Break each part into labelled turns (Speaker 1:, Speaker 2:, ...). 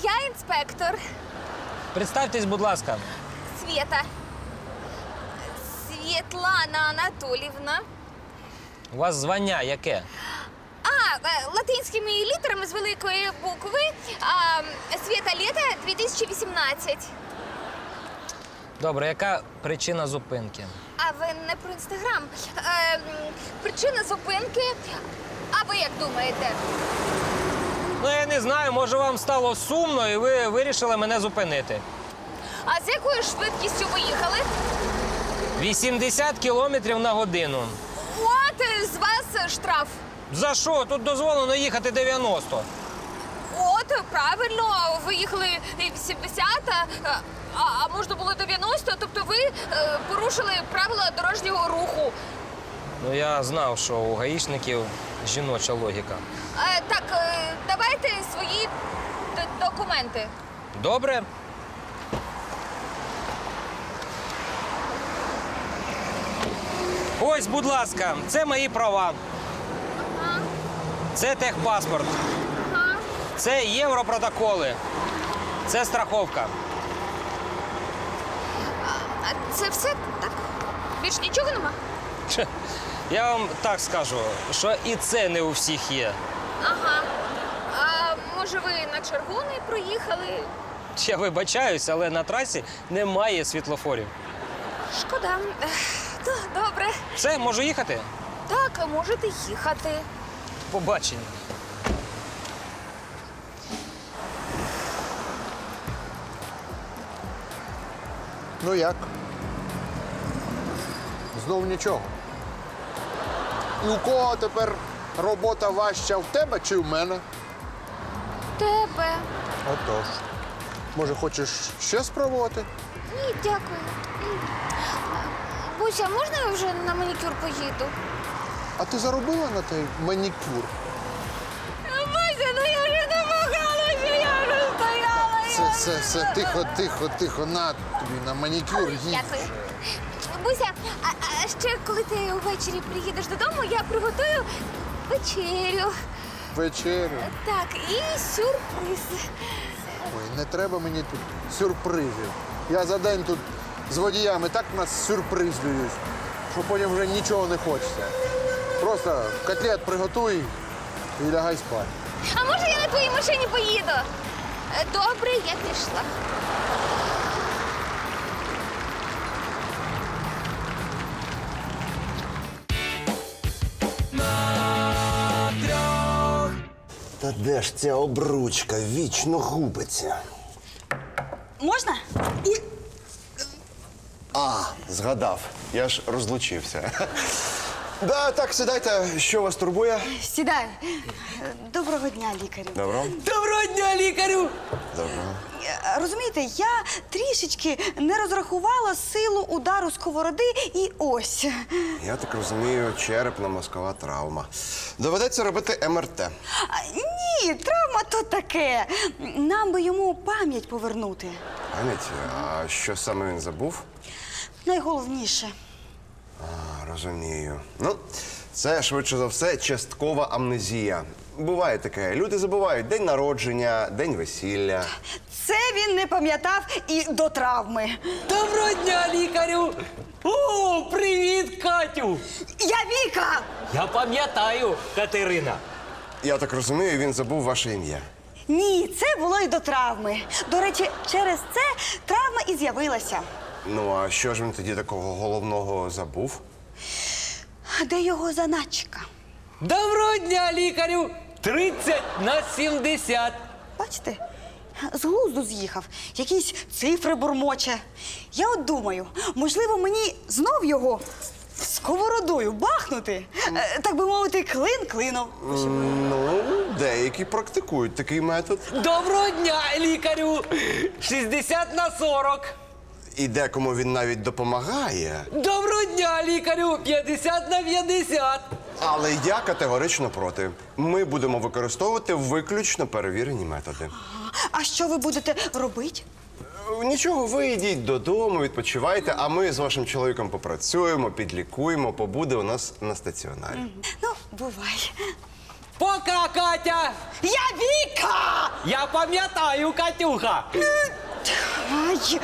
Speaker 1: я інспектор.
Speaker 2: Представтесь, будь ласка.
Speaker 1: Свєта. Світлана Анатолівна.
Speaker 2: У вас звання яке?
Speaker 1: Латинськими літерами з великої букви. Свєта Лєта 2018.
Speaker 2: Добре, яка причина зупинки?
Speaker 1: А ви не про Інстаграм. Причина зупинки. А ви як думаєте?
Speaker 2: Ну, я не знаю, може вам стало сумно і ви вирішили мене зупинити.
Speaker 1: А з якою швидкістю ви їхали?
Speaker 2: 80 кілометрів на годину.
Speaker 1: От з вас штраф.
Speaker 2: За що? Тут дозволено їхати 90.
Speaker 1: От, правильно, ви їхали 80, а можна було 90, тобто ви порушили правила дорожнього руху.
Speaker 2: Ну, я знав, що у гаїшників жіноча логіка.
Speaker 1: Так, давайте свої документи.
Speaker 2: Добре? Ось, будь ласка, це мої права.
Speaker 1: Ага,
Speaker 2: Це техпаспорт.
Speaker 1: ага.
Speaker 2: Це європротоколи. Це страховка.
Speaker 1: А це все так? Більш нічого нема?
Speaker 2: Че, я вам так скажу, що і це не у всіх є.
Speaker 1: Ага. А може ви на червоний проїхали?
Speaker 2: Я вибачаюсь, але на трасі немає світлофорів.
Speaker 1: Шкода. Добре.
Speaker 2: Все, можу їхати?
Speaker 1: Так, можете їхати.
Speaker 2: Побачення.
Speaker 3: Ну як? Знов нічого. І у кого тепер робота важча, в тебе чи в мене?
Speaker 1: Тебе.
Speaker 3: Отож. Може, хочеш ще спробувати?
Speaker 1: Ні, дякую. Буся, можна я вже на манікюр поїду?
Speaker 3: А ти заробила на той манікюр?
Speaker 1: Буся, ну я вже намагалася, я вже стояла.
Speaker 3: Все, тихо, на тобі на манікюр їдь.
Speaker 1: Дякую. Буся, а ще коли ти ввечері приїдеш додому, я приготую вечерю.
Speaker 3: Вечерю.
Speaker 1: Так, і сюрприз.
Speaker 3: Ой, не треба мені тут сюрпризів. Я за день тут з водіями так нас сюрпризлююсь, що потім вже нічого не хочеться. Просто котлет приготуй і лягай спати.
Speaker 1: А може я на твоїй машині поїду? Добре, я пішла.
Speaker 4: Та де ж ця обручка вічно губиться?
Speaker 5: Можна?
Speaker 4: Згадав. Я ж розлучився. Да, так, сідайте. Що вас турбує?
Speaker 5: Сідай. Доброго дня, лікарю.
Speaker 4: Добро.
Speaker 2: Доброго дня, лікарю!
Speaker 4: Добро.
Speaker 5: Розумієте, я трішечки не розрахувала силу удару сковороди і ось.
Speaker 4: Я так розумію, черепно-мозкова травма. Доведеться робити МРТ.
Speaker 5: Ні, травма то таке. Нам би йому пам'ять повернути.
Speaker 4: Пам'ять, а що саме він забув?
Speaker 5: Найголовніше.
Speaker 4: Розумію. Ну, це, швидше за все, часткова амнезія. Буває таке. Люди забувають день народження, день весілля.
Speaker 5: Це він не пам'ятав і до травми.
Speaker 2: Доброго дня, лікарю! О, привіт, Катю!
Speaker 5: Я Віка!
Speaker 2: Я пам'ятаю, Катерина.
Speaker 4: Я так розумію, він забув ваше ім'я.
Speaker 5: Ні, це було і до травми. До речі, через це травма і з'явилася.
Speaker 4: Ну, а що ж він тоді такого головного забув?
Speaker 5: Де його заначка?
Speaker 2: Доброго дня, лікарю! 30/70.
Speaker 5: Бачите, з глузду з'їхав, якісь цифри бурмоче. Я от думаю, можливо, мені знов його сковородою бахнути, так би мовити, клин клином.
Speaker 4: Ну, деякі практикують такий метод.
Speaker 2: Доброго дня, лікарю! 60/40.
Speaker 4: І декому він навіть допомагає.
Speaker 2: Доброго дня, лікарю! 50/50.
Speaker 4: Але я категорично проти. Ми будемо використовувати виключно перевірені методи.
Speaker 5: А що ви будете робити?
Speaker 4: Нічого, ви йдіть додому, відпочивайте, а ми з вашим чоловіком попрацюємо, підлікуємо, побуде у нас на стаціонарі.
Speaker 5: Ну, бувай.
Speaker 2: Пока, Катя!
Speaker 5: Я Віка!
Speaker 2: Я пам'ятаю, Катюха!
Speaker 5: Ай,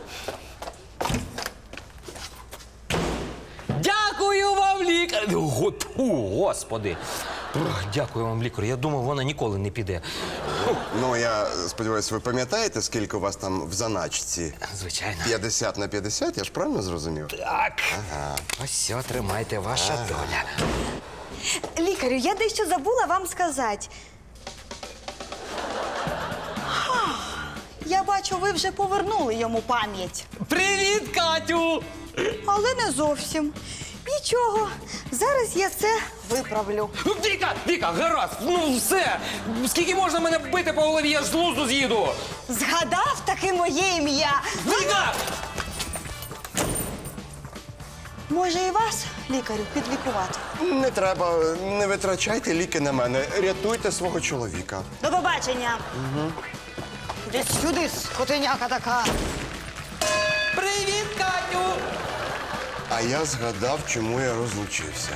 Speaker 2: Дякую вам, лікар! Господи! Дякую вам, лікар. Я думав, вона ніколи не піде.
Speaker 4: Ну, я сподіваюся, ви пам'ятаєте, скільки у вас там в заначці?
Speaker 2: Звичайно.
Speaker 4: 50 на 50, я ж правильно зрозумів?
Speaker 2: Так. Ось все, тримайте, ваша доля.
Speaker 5: лікарю, я дещо забула вам сказати. Я бачу, ви вже повернули йому пам'ять.
Speaker 2: Привіт, Катю!
Speaker 5: Але не зовсім. Нічого, зараз я це виправлю.
Speaker 2: Віка, гаразд, ну все! Скільки можна мене бити по голові, я ж з глузду з'їду!
Speaker 5: Згадав таки моє ім'я.
Speaker 2: Віка!
Speaker 5: Може і вас, лікарю, підлікувати?
Speaker 4: Не треба, не витрачайте ліки на мене. Рятуйте свого чоловіка.
Speaker 5: До побачення. Іди сюди, скотиняка така.
Speaker 2: Привіт, Катю!
Speaker 4: А я згадав, чому я розлучився.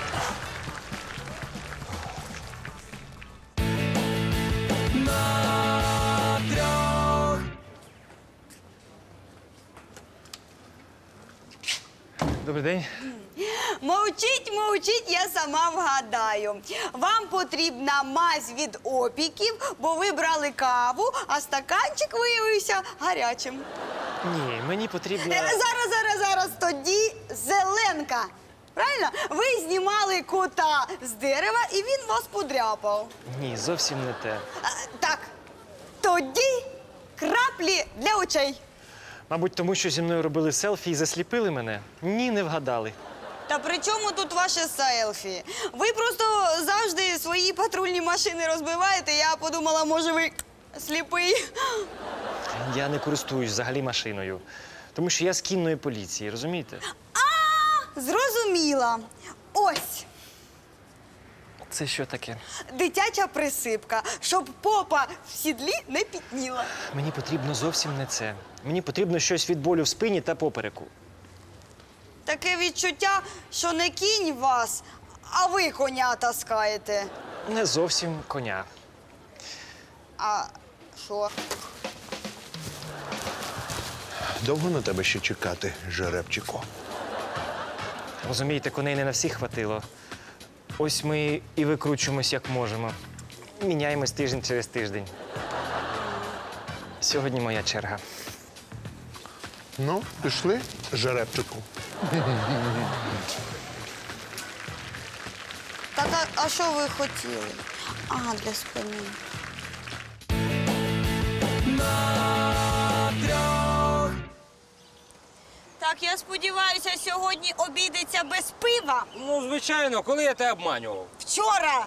Speaker 2: Добрий день.
Speaker 5: Мовчіть, мовчіть, я сама вгадаю. Вам потрібна мазь від опіків, бо ви брали каву, а стаканчик виявився гарячим.
Speaker 6: Ні, мені потрібно.
Speaker 5: Зараз, тоді зеленка. Правильно? Ви знімали кота з дерева, і він вас подряпав.
Speaker 6: Ні, зовсім не те.
Speaker 5: Так, тоді краплі для очей.
Speaker 6: Мабуть, тому що зі мною робили селфі і засліпили мене? Ні, не вгадали.
Speaker 5: Та при чому тут ваше селфі? Ви просто завжди свої патрульні машини розбиваєте. Я подумала, може, ви сліпий.
Speaker 6: Я не користуюсь взагалі машиною. Тому що я з кінної поліції, розумієте?
Speaker 5: Зрозуміла. Ось
Speaker 6: Це що таке?
Speaker 5: дитяча присипка, щоб попа в сідлі не пітніла.
Speaker 6: Мені потрібно зовсім не це. Мені потрібно щось від болю в спині та попереку.
Speaker 5: Таке відчуття, що не кінь вас, а ви коня таскаєте.
Speaker 6: Не зовсім коня.
Speaker 5: А що?
Speaker 7: Довго на тебе ще чекати, жеребчику?
Speaker 6: Розумієте, коней не на всіх хватило. Ось ми і викручуємось, як можемо. Міняємось тиждень через тиждень. Сьогодні моя черга.
Speaker 7: Ну, пішли, жеребчику.
Speaker 5: Так, а що ви хотіли? Ага, для спини. Так, я сподіваюся, сьогодні обійдеться без пива.
Speaker 2: Ну, звичайно, коли я тебе обманював?
Speaker 5: Вчора.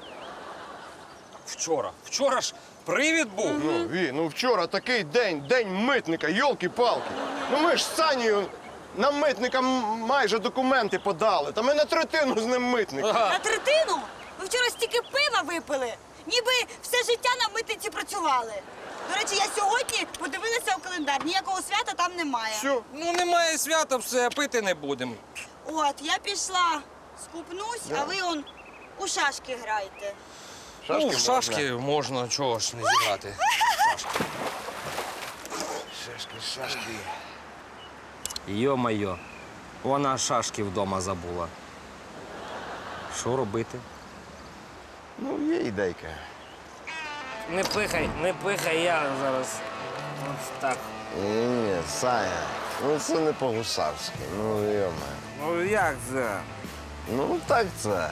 Speaker 2: Вчора ж привід був.
Speaker 8: Ну вчора такий день митника, йолки-палки. Ну ми ж з Санєю на митника майже документи подали. Та ми на третину з ним митник.
Speaker 5: На третину? Ви вчора стільки пива випили, ніби все життя на митниці працювали. До речі, я сьогодні подивилася у календар, ніякого свята там немає.
Speaker 8: Що?
Speaker 2: Ну, немає свята, все, пити не будемо.
Speaker 5: От, я пішла, скупнусь, а ви он у шашки граєте.
Speaker 2: Ну, в шашки можна, чого ж не зіграти.
Speaker 4: Шашки.
Speaker 2: Йо-майо, вона шашки вдома забула. Що робити?
Speaker 8: Ну, є ідейка.
Speaker 2: Не пихай, я зараз. Ось так.
Speaker 8: Ні, Саня, ну це не по-гусарськи, ну йома.
Speaker 2: Ну як це?
Speaker 8: Ну так це.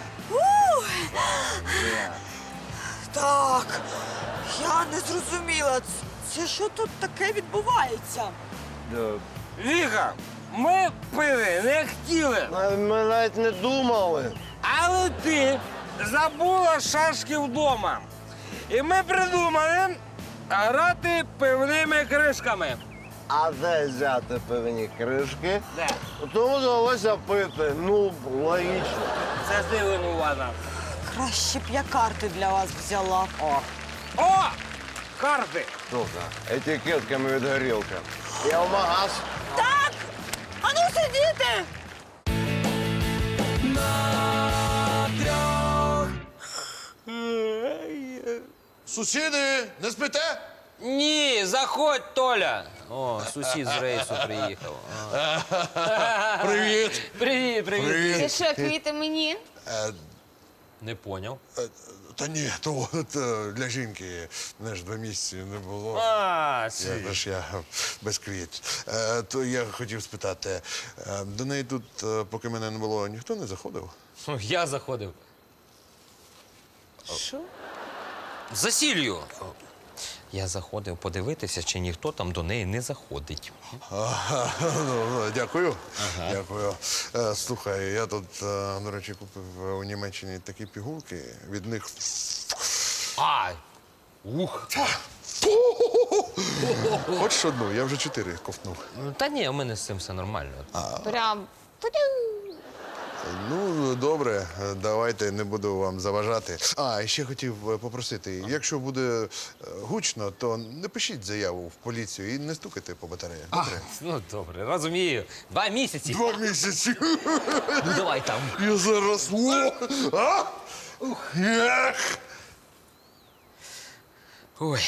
Speaker 5: Так, я не зрозуміла, це що тут таке відбувається?
Speaker 2: Віка, ми пити не хотіли,
Speaker 8: Ми навіть не думали.
Speaker 2: але ти забула шашки вдома. І ми придумали грати пивними кришками.
Speaker 8: А де взяти певні кришки?
Speaker 2: Де?
Speaker 8: Тому довелося пити. Ну, логічно.
Speaker 2: Це ти винувата.
Speaker 5: Краще б я карти для вас взяла.
Speaker 2: О! Карти!
Speaker 8: Слухай, етикетками від горілки. Я в магаз.
Speaker 5: Так! Ану сидіти!
Speaker 3: Сусіди, не спите?
Speaker 2: Ні, заходь, Толя. О, сусід з рейсу приїхав.
Speaker 3: Привіт.
Speaker 2: Привіт, привіт.
Speaker 1: Це що, квіти мені?
Speaker 2: Не поняв.
Speaker 3: Та ні, то для жінки, знаєш, 2 місяці не було.
Speaker 2: А,
Speaker 3: Я без квіт. То я хотів спитати, до неї тут, поки мене не було, ніхто не заходив?
Speaker 2: я заходив.
Speaker 1: Що?
Speaker 2: За сіллю. Я заходив подивитися, чи ніхто там до неї не заходить.
Speaker 3: Дякую. Дякую. Слухай, я тут, до речі, купив у Німеччині такі пігулки. Від них.
Speaker 2: А! Ух!
Speaker 3: Хочеш одну? Я вже 4 ковтнув.
Speaker 2: Ну, та ні, у мене з цим все нормально.
Speaker 1: Прям.
Speaker 3: Ну, добре, давайте, не буду вам заважати. І ще хотів попросити, якщо буде гучно, то не пишіть заяву в поліцію і не стукайте по батареях. Добре?
Speaker 2: Ну, добре, розумію. 2 місяці.
Speaker 3: 2 місяці.
Speaker 2: Ну, давай там.
Speaker 3: Я зараз. Ех!
Speaker 2: Ой.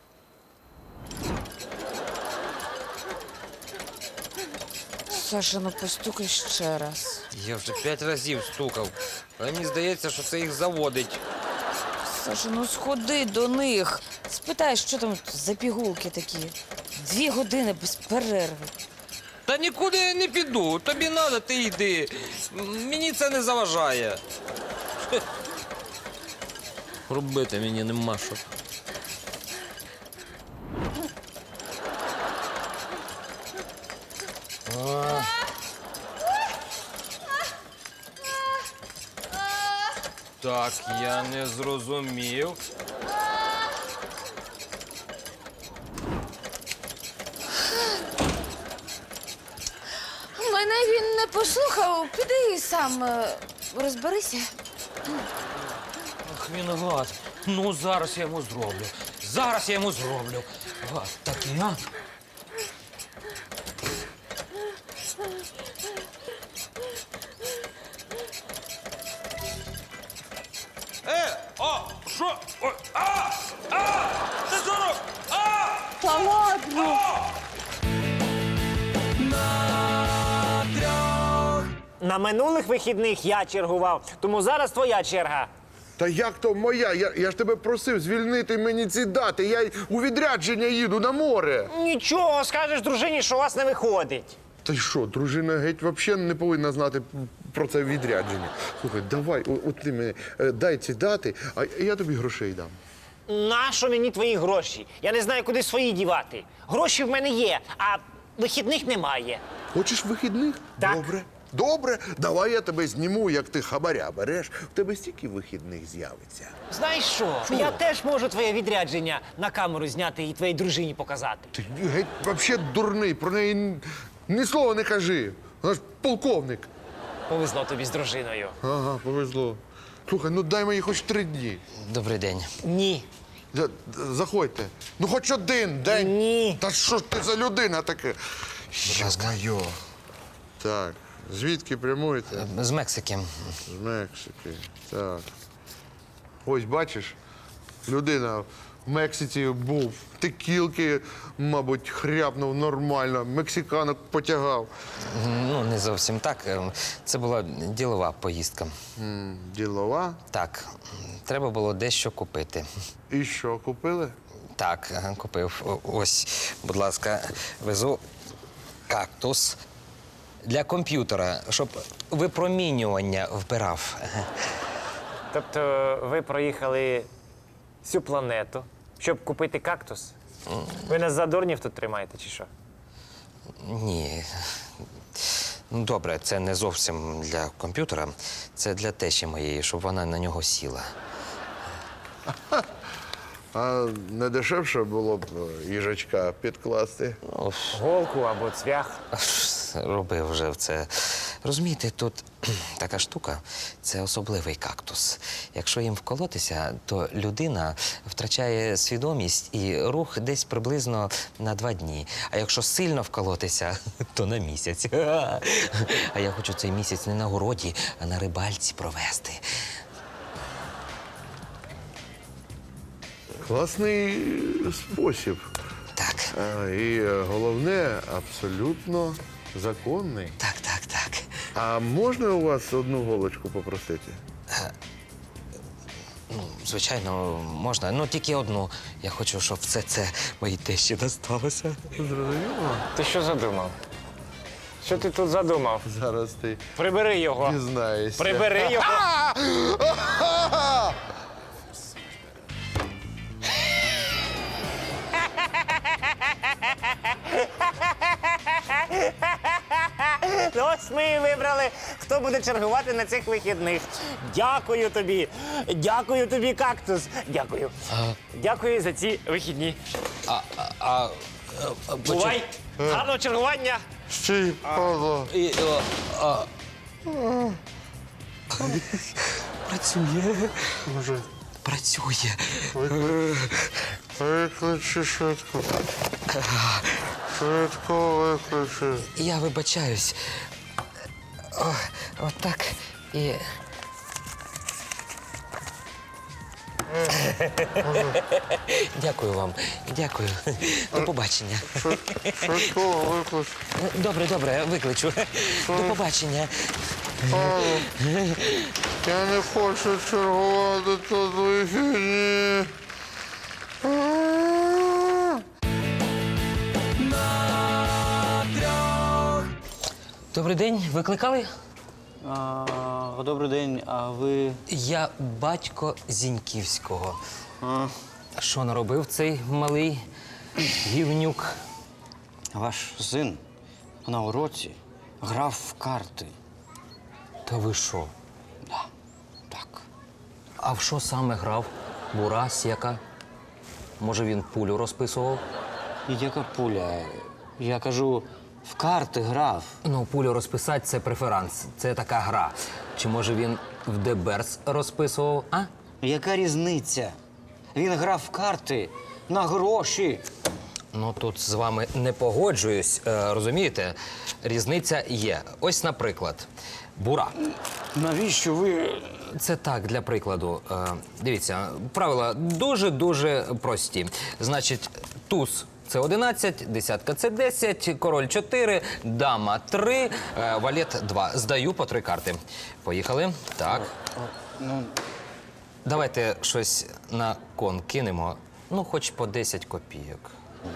Speaker 1: Саша, ну постукай ще раз.
Speaker 2: Я вже 5 разів стукав. Але мені здається, що це їх заводить.
Speaker 1: Саша, ну сходи до них. Спитай, що там за пігулки такі. 2 години без перерви.
Speaker 2: Та нікуди я не піду. Тобі треба, ти йди. Мені це не заважає. Робити мені нема що. Так, я не зрозумів.
Speaker 1: Мене він не послухав. Піди сам розберися.
Speaker 2: Ах, він гад. Ну, зараз я йому зроблю. Зараз я йому зроблю. Гад такий, а? О, що? Ой, ти здоров!
Speaker 5: Та ладно.
Speaker 6: На минулих вихідних я чергував, тому зараз твоя черга.
Speaker 3: Та як то моя? Я ж тебе просив звільнити мені ці дати. Я у відрядження їду на море.
Speaker 6: Нічого, скажеш дружині, що у вас не виходить.
Speaker 3: Та й що, дружина геть взагалі не повинна знати про це відрядження. Слухай, давай, от ти мені дай ці дати, а я тобі грошей дам.
Speaker 6: Нащо мені твої гроші? Я не знаю, куди свої дівати. Гроші в мене є, а вихідних немає.
Speaker 3: Хочеш вихідних?
Speaker 6: Так.
Speaker 3: Добре. Добре, давай я тебе зніму, як ти хабаря береш. В тебе стільки вихідних з'явиться.
Speaker 6: Знаєш що? Я теж можу твоє відрядження на камеру зняти і твоїй дружині показати.
Speaker 3: Ти геть взагалі дурний, про неї ні слова не кажи. Вона ж полковник.
Speaker 6: Повезло тобі з дружиною.
Speaker 3: Ага, повезло. Слухай, ну дай мені хоч 3 дні.
Speaker 2: Добрий день.
Speaker 6: Ні.
Speaker 3: Заходьте. Ну хоч 1 день.
Speaker 6: Ні.
Speaker 3: Та що ж ти за людина така? Йо-моє. Так, звідки прямуєте?
Speaker 2: З Мексики.
Speaker 3: З Мексики. Так. Ось бачиш, людина в Мексиці був. Текілки, мабуть, хряпнув нормально, мексиканок потягав.
Speaker 2: Ну, не зовсім так. Це була ділова поїздка.
Speaker 3: Ділова.
Speaker 2: Так, треба було дещо купити.
Speaker 3: І що, купили?
Speaker 2: Так, купив. Ось, будь ласка, везу кактус для комп'ютера, щоб випромінювання вбирав.
Speaker 6: Тобто ви проїхали всю планету, щоб купити кактус? Ви нас за дурнів тут тримаєте, чи що?
Speaker 2: Ні. Ну, добре, це не зовсім для комп'ютера, це для тещі моєї, щоб вона на нього сіла.
Speaker 3: А не дешевше було б їжачка підкласти?
Speaker 6: Голку або цвях.
Speaker 2: Робив вже це. Розумієте, тут така штука – це особливий кактус. Якщо їм вколотися, то людина втрачає свідомість і рух десь приблизно на 2 дні. А якщо сильно вколотися, то на місяць. А я хочу цей місяць не на городі, а на рибальці провести.
Speaker 3: Класний спосіб.
Speaker 2: Так,
Speaker 3: І головне, абсолютно законний.
Speaker 2: так.
Speaker 3: А можна у вас одну голочку попросити?
Speaker 2: Ну, звичайно, можна. Ну, тільки одну. Я хочу, щоб все це моїй тещі досталося.
Speaker 3: Зрозуміло?
Speaker 6: Ти що задумав? Що ти тут задумав?
Speaker 3: Зараз ти
Speaker 6: Прибери його.
Speaker 3: дізнаєшся.
Speaker 6: Прибери його.
Speaker 9: Ну, ось ми і вибрали, хто буде чергувати на цих вихідних. Дякую тобі. Дякую тобі, кактус. Дякую.
Speaker 6: Дякую за ці вихідні. Бувай! Гарного чергування!
Speaker 3: Стій, Павло.
Speaker 2: Працює.
Speaker 3: Може,
Speaker 2: Працює.
Speaker 3: викличе швидко. Швидко викличе.
Speaker 2: Я вибачаюсь. Отак і. Дякую вам. Дякую. До побачення.
Speaker 3: Швидко викличе.
Speaker 2: Добре, викличу. До побачення.
Speaker 3: Я не хочу чергувати тут вихідні.
Speaker 2: Добрий день, викликали?
Speaker 10: Добрий день, а ви.
Speaker 2: Я батько Зіньківського. Що наробив цей малий гівнюк?
Speaker 10: Ваш син на уроці грав в карти.
Speaker 2: Та ви що?
Speaker 10: Так.
Speaker 2: А в що саме грав? Бура, сєка? Може, він пулю розписував?
Speaker 10: І яка пуля? Я кажу, в карти грав.
Speaker 2: Ну, пулю розписати – це преферанс, це така гра. Чи може він в Деберс розписував, а?
Speaker 10: Яка різниця? Він грав в карти на гроші.
Speaker 2: Ну, тут з вами не погоджуюсь, розумієте? Різниця є. Ось, наприклад, бура.
Speaker 10: Навіщо ви.
Speaker 2: Це так, для прикладу. Дивіться, правила дуже-дуже прості. Значить, туз – це 11, десятка – це 10, король – 4, дама – 3, валет – 2. Здаю по 3 карти. Поїхали. Так. Давайте щось на кон кинемо. Ну, хоч по 10 копійок.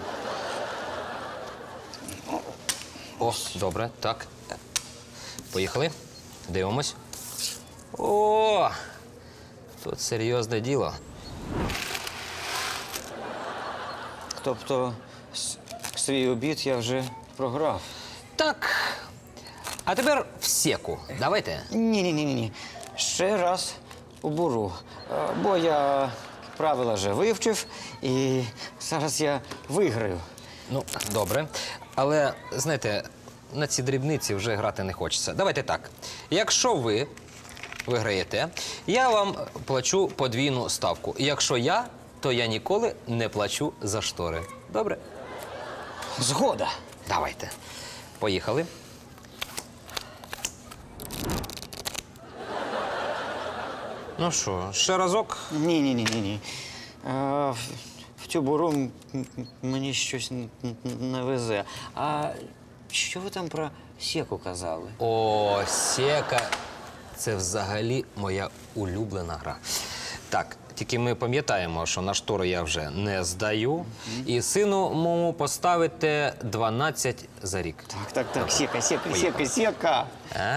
Speaker 2: О, добре, так. Поїхали. Дивимось. О! Тут серйозне діло.
Speaker 10: Тобто, свій обід я вже програв.
Speaker 2: Так. А тепер в секу. Давайте.
Speaker 10: Ні. Ще раз у буру. Бо я правила вже вивчив, і зараз я виграю.
Speaker 2: Ну, добре. Але, знаєте, на ці дрібниці вже грати не хочеться. Давайте так. Якщо ви виграєте, я вам плачу подвійну ставку. Якщо я, то я ніколи не плачу за штори. Добре?
Speaker 10: Згода.
Speaker 2: Давайте. Поїхали. Ну що, ще разок?
Speaker 10: Ні. В цю буру мені щось не везе. А що ви там про секу казали?
Speaker 2: О, сека. Це взагалі моя улюблена гра. Так, тільки ми пам'ятаємо, що на штори я вже не здаю. І сину моєму поставите 12 за рік.
Speaker 10: Так, сека.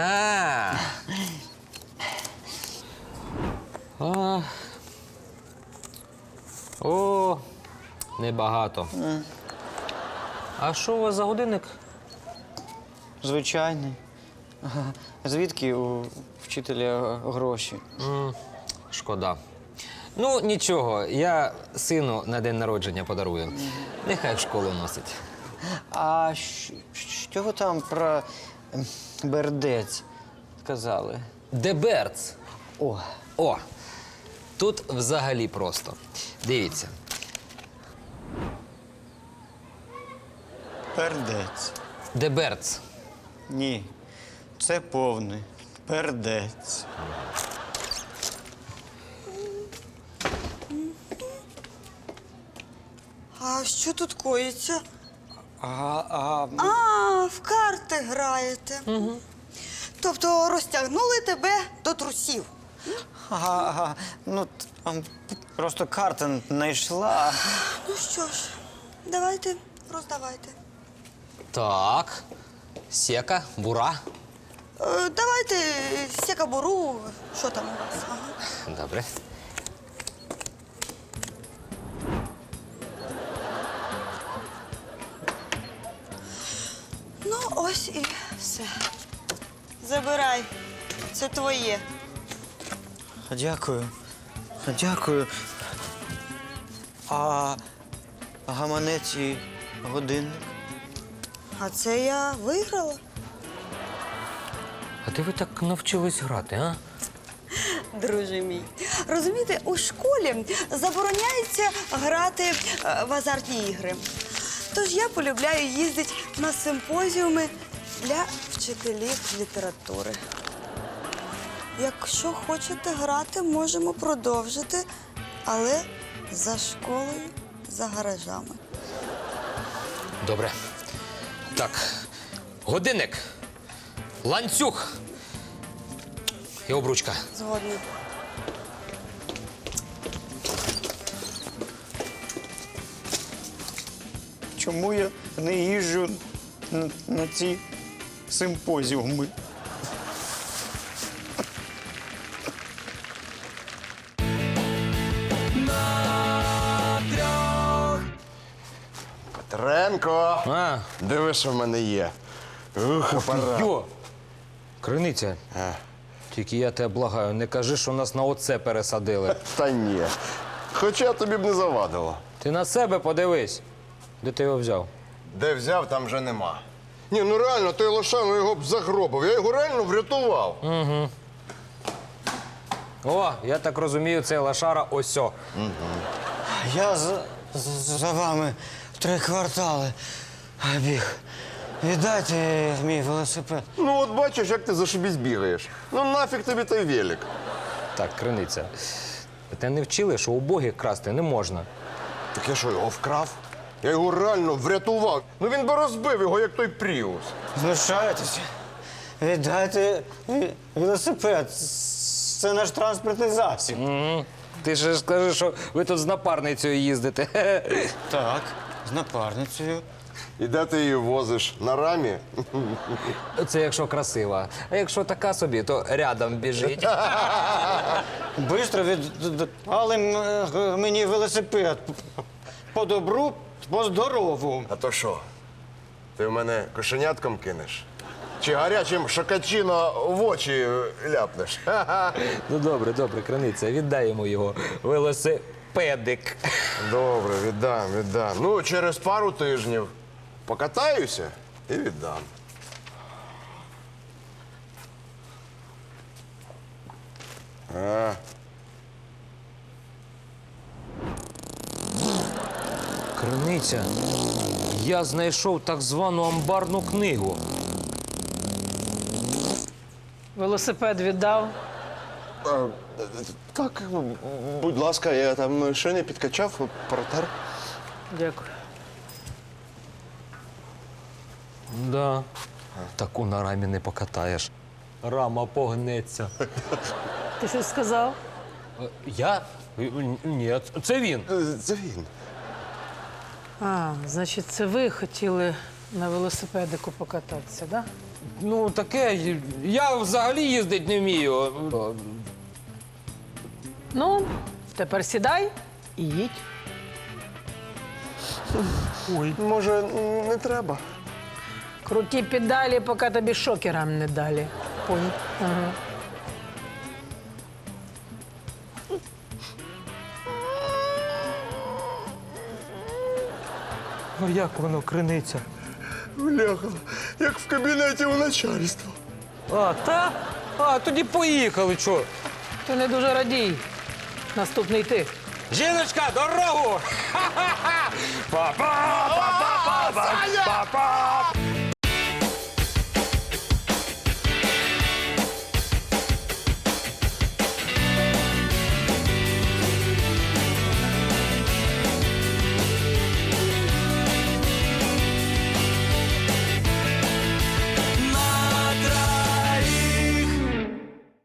Speaker 2: О, небагато. А що у вас за годинник?
Speaker 10: Звичайний. Звідки у вчителя гроші?
Speaker 2: Шкода. Ну, нічого, я сину на день народження подарую. Нехай в школу носить.
Speaker 10: А що ви там про бердець казали?
Speaker 2: Деберц.
Speaker 10: О,
Speaker 2: О, тут взагалі просто. Дивіться.
Speaker 10: пердець.
Speaker 2: Деберц.
Speaker 10: Ні, це повний пердець.
Speaker 5: що тут коїться?
Speaker 10: А
Speaker 5: В карти граєте. Угу. Тобто розтягнули тебе до трусів.
Speaker 10: ну там просто карта не йшла.
Speaker 5: Ну що ж, давайте, роздавайте.
Speaker 2: Так. Сека, бура.
Speaker 5: Давайте сека-буру. Що там у вас? Ага.
Speaker 2: Добре.
Speaker 5: Ну, ось і все. Забирай. Це твоє.
Speaker 10: Дякую. Дякую. А гаманець і годинник?
Speaker 5: А це я виграла.
Speaker 2: А де ви так навчились грати, а?
Speaker 5: Друже мій, розумієте, у школі забороняється грати в азартні ігри. Тож я полюбляю їздити на симпозіуми для вчителів літератури. Якщо хочете грати, можемо продовжити, але за школою, за гаражами.
Speaker 2: Добре. Так, годинник, ланцюг і обручка.
Speaker 5: Згодна.
Speaker 10: Чому я не їжджу на ці симпозіуми?
Speaker 8: Петренко!
Speaker 2: А,
Speaker 8: Диви, що в мене є. Ух, апарат.
Speaker 6: Йо! Криниця. Тільки я тебе благаю, не кажи, що нас на оце пересадили.
Speaker 8: Та ні. Хоча тобі б не завадило.
Speaker 6: Ти на себе подивись. Де ти його взяв?
Speaker 8: Де взяв, там вже нема. Ні, ну реально, той Лошану його б загробив. Я його реально врятував.
Speaker 6: О, я так розумію, це лошара осьо.
Speaker 10: Я за вами 3 квартали біг. Віддайте мій велосипед.
Speaker 8: Ну от бачиш, як ти зашибісь бігаєш. Ну нафіг тобі той велик.
Speaker 6: Так, Криниця. Те не вчили, що убогих красти не можна.
Speaker 8: Так я що, його вкрав? Я його реально врятував. Ну він би розбив його, як той Пріус.
Speaker 10: Знущаєтеся? Віддайте велосипед. Це наш транспортний засіб.
Speaker 6: Ти ж скажи, що ви тут з напарницею їздите.
Speaker 10: Так, з напарницею.
Speaker 8: І де ти її возиш? На рамі?
Speaker 6: Це якщо красива. А якщо така собі, то рядом біжить.
Speaker 10: Бистро віддали мені велосипед. По добру, по здорову.
Speaker 8: А то що? Ти в мене кошенятком кинеш? Чи гарячим шокачино в очі ляпнеш?
Speaker 6: Ну добре, добре, Криниця, віддай йому його велосипедик.
Speaker 8: Добре, віддам. Ну, через пару тижнів покатаюся і віддам.
Speaker 6: Криниця, я знайшов так звану амбарну книгу.
Speaker 11: Велосипед віддав.
Speaker 8: Так, будь ласка, я там шини підкачав, протер.
Speaker 11: Дякую.
Speaker 6: Да. Таку на рамі не покатаєш. Рама погнеться.
Speaker 11: Ти щось сказав?
Speaker 6: Я? Ні, це він.
Speaker 8: Це він.
Speaker 11: А, значить, це ви хотіли на велосипедику покататися, так? Да?
Speaker 6: Ну, таке, я взагалі їздити не вмію.
Speaker 11: Ну, тепер сідай і їдь.
Speaker 8: Може, не треба?
Speaker 11: Круті педалі, поки тобі шокерам не далі. Понял? Ага.
Speaker 6: Ну як воно, Криниця?
Speaker 8: Бляха, як в кабінеті у начальства.
Speaker 6: А, так? А, тоді поїхали, чо?
Speaker 11: Ти не дуже радій. Наступний ти.
Speaker 6: Жіночка, дорогу! Ха-ха-ха! Па-па! Па-па! Па-па! Па-па!